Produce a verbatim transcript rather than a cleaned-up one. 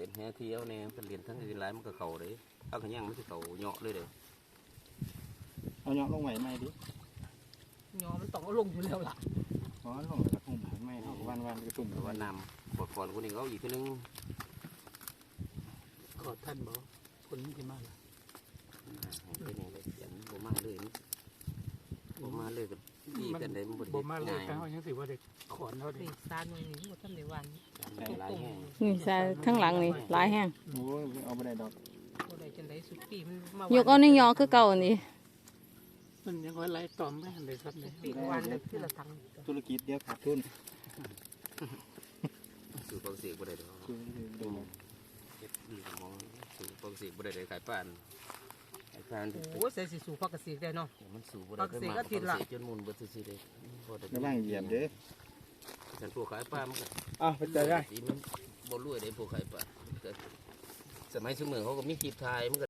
เป็นแห่เที่ยวเนี่ยเป็นเรียนทั้งอื่นหลายมันก็เข่าเลยเอาขยังมันจะเข่าเหาะเลยเด้อเอาเหาะลงไหวไหมดิยอมันต้องเอาลงอยู่แล้วล่ะอ๋อลงแล้วทุ่มไม่เท่าวันวันกระตุ่มว่านำบทก่อนคนนี้เขาอีกคนนึงขอท่านบอกคนนี้ที่มาละเป็นอย่างไรเขียนโบมาเลยโบมาเลยกับดีกันเลยมันบดบ่มาเลยง่ายเขายังสิว่าเด็กขอนเขาดินี่ซานมันนี่หมดท่านในวันหลายแห่งนี่ใส่ทั้งหลังนี่หลายแห้งโอ้ยเอาไปได้ดอกบ่ได้จังได๋สุดปีมันมายกเอานี่ยอคือเก่านี่มันยังไล่ตอมไม่ทันเลยครับเนี่ยปีวันนึงคือละทังธุรกิจเดียวขาดทุนสู่ปองเสียบ่ได้ดอกเก็บดีมองสู่ปองเสียบ่ได้เลยขายป้านขายป้านโอ้ใส่สิสู่พักกสิได้เนาะมันสู่บ่ได้ไปมาปองเสียจนมุนบ่ซื่อๆเลยระวังเหยียบเด้อฉันพวกขายป้ามันก็อ้าวไปเจอได้มันบ่รวยได้พวกขายป้าสมัยสมัยเขาก็มีกีบทายมันก็